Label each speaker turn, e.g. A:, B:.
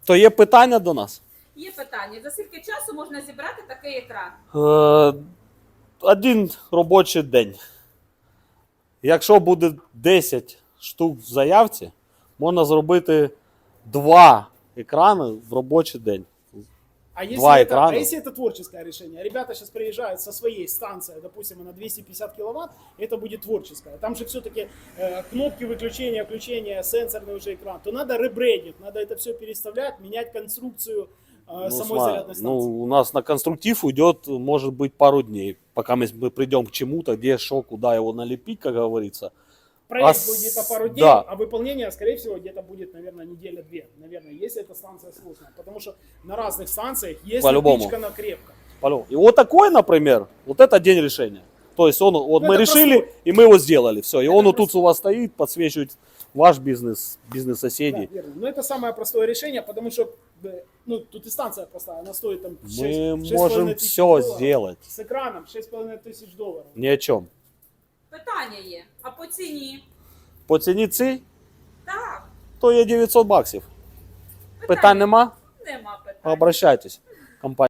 A: То є питання до нас?
B: Є питання. За скільки часу можна зібрати такий екран?
A: Один робочий день. Якщо буде 10 штук в заявці, можна зробити 2 екрани в робочий день.
C: А если,
A: Два
C: это,
A: экрана.
C: а если это творческое решение? Ребята сейчас приезжают со своей станции, допустим, на 250 киловатт, это будет творческое. Там же все-таки кнопки выключения, включения, сенсорный уже экран. То надо ребрендинг, надо это все переставлять, менять конструкцию самой зарядной станции.
A: У нас на конструктив уйдет, может быть, пару дней, пока мы придем к чему-то, где что, куда его налепить, как говорится.
C: Проект будет где-то пару дней,
A: да.
C: а выполнение, скорее всего, где-то будет, наверное, неделя-две. Наверное, если эта станция сложная. Потому что на разных станциях есть
A: По-любому.
C: напичкана крепко.
A: И вот такой, например, вот это день решения. То есть он, вот мы
C: это
A: решили,
C: простой.
A: и мы его сделали. Все. И
C: Это
A: он вот тут
C: простой.
A: у вас стоит, подсвечивает ваш бизнес, бизнес
C: Да,
A: соседей.
C: верно. Но это самое простое решение, потому что ну, тут и станция простая, она стоит там 6,
A: Мы можем все сделать.
C: С экраном 6,5 тысяч долларов.
A: Ни о чем.
B: Питання є. А по ціні?
A: По ціні цій,
B: Так.
A: то є 900 баксів. Питань нема?
B: Нема питань.
A: Обращайтесь. Компанія.